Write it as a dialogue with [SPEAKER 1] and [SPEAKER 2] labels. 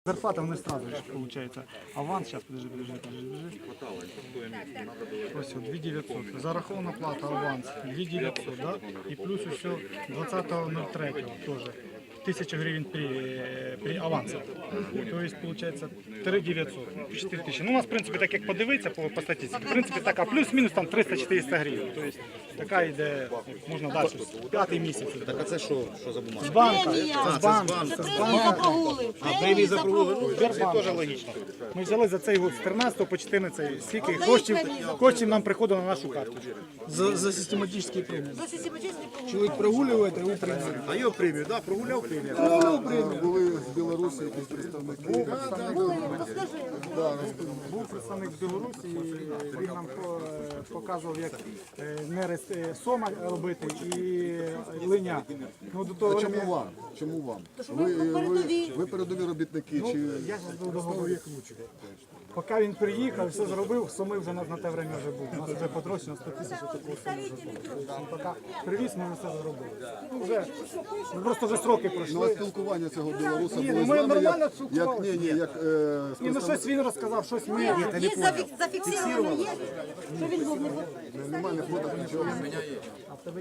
[SPEAKER 1] Зарплата у них сразу же получается. Аванс, сейчас, подожди. Ось, 2900. Зарахована плата, аванс, 2900, да? И плюс еще 20.03 тоже. 1000 гривен при авансі. Тобто, получается, 3900, 4000. Ну, у нас, в принципі, так як подивитися по статистиці, в принципі, така плюс-мінус там 300-400 гривень. Тобто, така йде, можна далі, п'ятий місяць.
[SPEAKER 2] Так а це що за бумага?
[SPEAKER 1] З банка, з банка.
[SPEAKER 2] А премії за прогули? Ну, це теж логічно.
[SPEAKER 1] Ми взяли за цей год з 13 по 14, скільки коштів нам приходило на нашу карту.
[SPEAKER 3] За систематические премии. Человек прогуливает, а его премируют.
[SPEAKER 2] А його премію, так, прогуляв премію.
[SPEAKER 4] Були з Білорусі якісь представники.
[SPEAKER 1] Був представник з Білорусі, він нам показував, як нерест сома робити і линя. Ну, до того
[SPEAKER 4] Чому вам? Чому вам? Ви передові робітники? Чи
[SPEAKER 1] я ж був договорі. Поки він приїхав, все зробив, соми вже на те время вже був. У нас вже потрощено 100 тисяч такого соми вже було. Поки привіз, ми все зробили. Ну, вже, просто вже сроки
[SPEAKER 4] ну, а
[SPEAKER 1] пройшли.
[SPEAKER 4] спілкування цього білоруса
[SPEAKER 1] Ні,
[SPEAKER 4] було
[SPEAKER 1] ну, ми
[SPEAKER 4] з вами?
[SPEAKER 1] нормально
[SPEAKER 4] Як,
[SPEAKER 1] спілкувалися.
[SPEAKER 4] з
[SPEAKER 1] Ні, ну щось він розказав, щось ми.
[SPEAKER 5] Є зафіксовано, є, що він був не
[SPEAKER 4] немає фото, нічого.